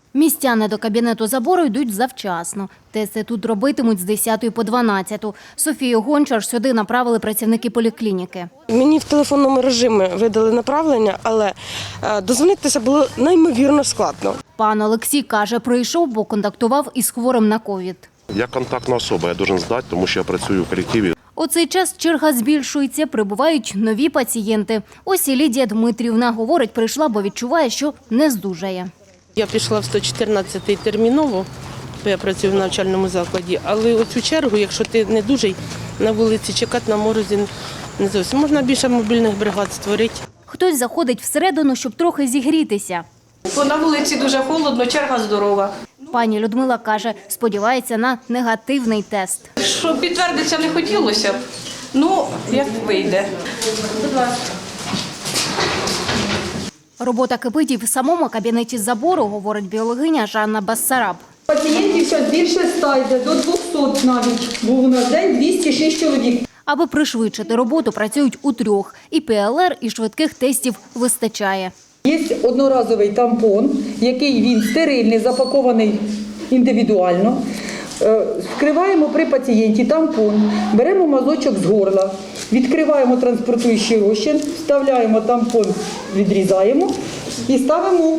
Містяни до кабінету забору йдуть завчасно. Тести тут робитимуть з 10 по 12. Софію Гончар сюди направили працівники поліклініки. Мені в телефонному режимі видали направлення, але дозвонитися було неймовірно складно. Пан Олексій каже, прийшов, бо контактував із хворим на ковід. Я контактна особа, я должен здати, тому що я працюю в колективі. У цей час черга збільшується, прибувають нові пацієнти. Ось і Лідія Дмитрівна, говорить, прийшла, бо відчуває, що не здужає. Я пішла в 114-й терміново, бо я працюю в навчальному закладі, але оцю чергу, якщо ти не дужий, на вулиці чекати на морозі не зовсім. Можна більше мобільних бригад створити. Хтось заходить всередину, щоб трохи зігрітися. Бо на вулиці дуже холодно, черга здорова. Пані Людмила каже, сподівається на негативний тест. Щоб підтвердитися не хотілося б, ну, як вийде. Будь ласка. Робота кипить і в самому кабінеті забору, говорить біологиня Жанна Бассараб. Пацієнтів зараз більше 100 йде, до 200 навіть. Був у нас день 206 чоловік. Аби пришвидшити роботу, працюють у трьох. І ПЛР, і швидких тестів вистачає. Є одноразовий тампон, який він стерильний, запакований індивідуально. Вкриваємо при пацієнті тампон, беремо мазочок з горла, відкриваємо транспортуючий розчин, вставляємо тампон, відрізаємо і ставимо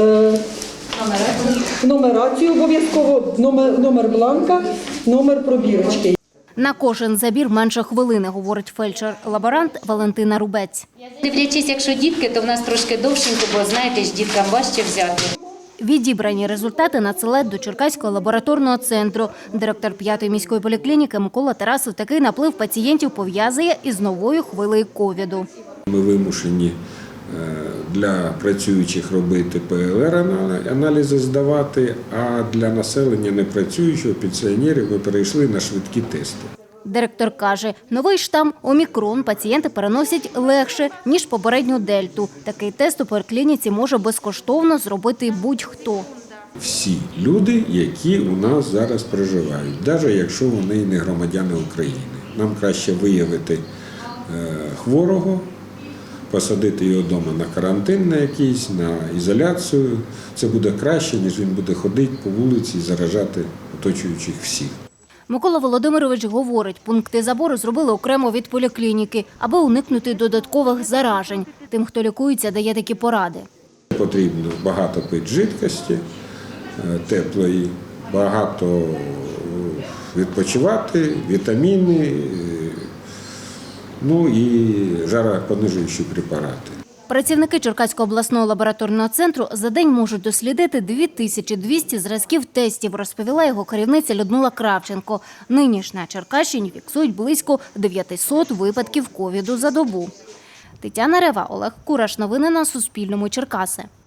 нумерацію, обов'язково номер бланка, номер пробірочки. На кожен забір менше хвилини, говорить фельдшер-лаборант Валентина Рубець. Дивлячись, якщо дітки, то в нас трошки довшенько, бо, знаєте ж, діткам важче взяти. Відібрані результати надсилають до Черкаського лабораторного центру. Директор 5-ї міської поліклініки Микола Тарасов такий наплив пацієнтів пов'язує із новою хвилею ковіду. Ми вимушені для працюючих робити ПЛР-аналізи здавати, а для населення непрацюючого, пенсіонерів, ми перейшли на швидкі тести. Директор каже, новий штам «Омікрон» пацієнти переносять легше, ніж попередню дельту. Такий тест у поліклініці може безкоштовно зробити будь-хто. Всі люди, які у нас зараз проживають, навіть якщо вони і не громадяни України. Нам краще виявити хворого, посадити його вдома на карантин на якийсь, на ізоляцію. Це буде краще, ніж він буде ходити по вулиці і заражати оточуючих всіх. Микола Володимирович говорить, пункти забору зробили окремо від поліклініки, аби уникнути додаткових заражень. Тим, хто лікується, дає такі поради. Потрібно багато пити жидкості теплої, багато відпочивати, вітаміни, ну і жаропонижуючі препарати. Працівники Черкаського обласного лабораторного центру за день можуть дослідити 2200 зразків тестів, розповіла його керівниця Людмила Кравченко. Нині ж на Черкащині фіксують близько 900 випадків ковіду за добу. Тетяна Рева, Олег Кураш. Новини на Суспільному. Черкаси.